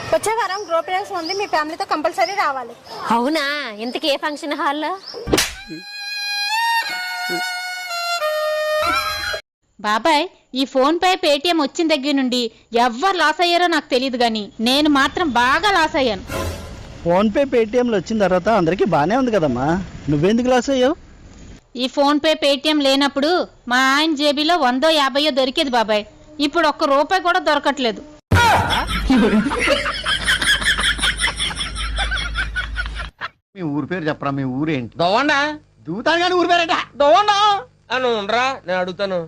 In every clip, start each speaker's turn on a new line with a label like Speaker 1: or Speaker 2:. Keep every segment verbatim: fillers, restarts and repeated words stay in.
Speaker 1: వచ్చే వారం గృహప్రవేశం ఉంది, మీ ఫ్యామిలీతో కంపల్సరీ రావాలి.
Speaker 2: అవునా? ఇంతకీ ఏ ఫంక్షన్ హాల్లో?
Speaker 3: బాబాయ్, ఈ ఫోన్ పే పేటిఎం వచ్చిన దగ్గర నుండి ఎవ్వరు లాస్ అయ్యారో నాకు తెలియదు గాని నేను మాత్రం బాగా లాస్ అయ్యాను.
Speaker 4: ఫోన్ పే పేటిఎంలు వచ్చిన తర్వాత అందరికీ బానే ఉంది కదమ్మా, నువ్వెందుకు లాస్ అయ్యావు?
Speaker 3: ఈ ఫోన్ పే పేటిఎం లేనప్పుడు మా ఆయన జేబీలో వందో యాభయో దొరికేది బాబాయ్. ఇప్పుడు ఒక్క రూపాయి కూడా దొరకట్లేదు.
Speaker 5: మీ ఊరి పేరు చెప్పరా? మీ ఊరేంటి?
Speaker 6: దవ్వండా
Speaker 5: దూతాను కానీ ఊరి పేరేట
Speaker 6: దవ్వండా అని ఉండరా, నేను అడుగుతాను.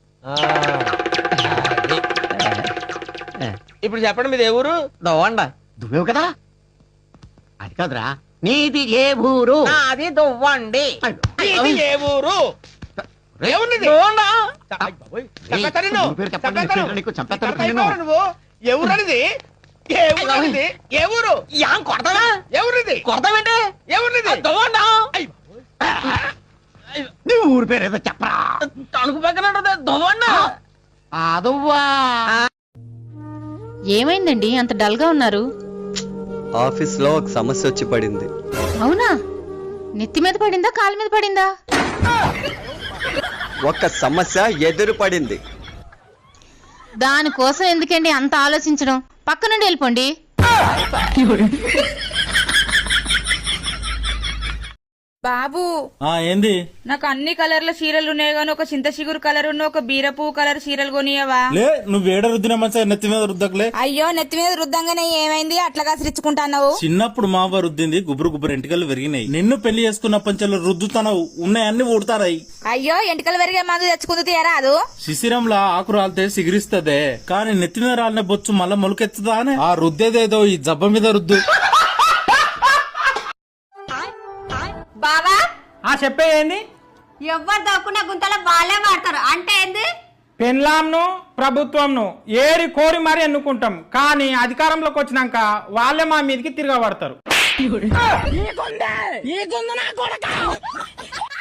Speaker 6: ఇప్పుడు చెప్పండి, మీది ఏ ఊరు?
Speaker 5: దవ్వండా దువ్వేవు కదా, అది కాదురా. నీది ఏ ఊరు?
Speaker 6: అది దవ్వండి.
Speaker 5: నీది
Speaker 6: ఏ ఊరు?
Speaker 5: ఊరి పేరు చెప్పండి, నీకు చంపేస్తాను.
Speaker 6: నువ్వు ఎవరనిది? ఏ ఊరు? కొడతావా? ఎవరిది? కొడతావేంటి? ఎవరిది? దవ్వండా.
Speaker 5: నీ ఊరి పేరు ఏదో చెప్పరా?
Speaker 6: తణుకు పక్కన దవ్వండా.
Speaker 5: అదవ్వా.
Speaker 3: ఏమైందండి అంత డల్ గా ఉన్నారు?
Speaker 7: ఆఫీస్ లో ఒక సమస్య వచ్చి పడింది.
Speaker 3: అవునా? నెత్తి మీద పడిందా, కాలు మీద పడిందా?
Speaker 7: ఒక సమస్య ఎదురు పడింది.
Speaker 3: దానికోసం ఎందుకండి అంత ఆలోచించడం? పక్క నుండి వెళ్ళిపోండి.
Speaker 8: బాబు
Speaker 9: ఆ ఏంది?
Speaker 8: నాకు అన్ని కలర్ల చీరలు ఉన్నాయి గానీ ఒక చింత చిగురు కలర్ ఉన్న ఒక బీరపు కలర్ చీరలు కొనియవా?
Speaker 9: లే, నువ్వు వేడ రుద్దిన మంచిగా నెత్తి మీద రుద్దకలే.
Speaker 8: అయ్యో, నెత్తి మీద రుద్దంగానే ఏమైంది అట్లాగా సిరిచుకుంటున్నావు?
Speaker 9: చిన్నప్పుడు మావ రుద్దింది గుబురు గుబురు ఎంటికలు విరిగినాయి. నిన్ను పెళ్లి చేసుకున్న పంచలు రుద్దుతానవు, ఉన్నాయన్ని ఊడతారాయి.
Speaker 8: అయ్యో, ఎంటికలు పెరిగే మందు తెచ్చుకుంది తీయరాదు?
Speaker 9: శిశిరంలా ఆకు రాలితే సిగిరిస్తదే, కానీ నెత్తి మీద రాలిన బొచ్చు మళ్ళా మొలకెత్తుదా అని ఆ రుద్దేదేదో ఈ జబ్బ మీద రుద్దు.
Speaker 1: బావా
Speaker 10: ఆ చెప్పే ఏంది?
Speaker 1: ఎవ్వరు దక్కున్న గుంతలో వాళ్ళే వాడతారు అంటే ఏంది?
Speaker 10: పెన్లాంను ప్రభుత్వంను ఏరి కోరి మరి ఎన్నుకుంటాం, కానీ అధికారంలోకి వచ్చినాక వాళ్ళే మా మీదకి తిరగబడతారు.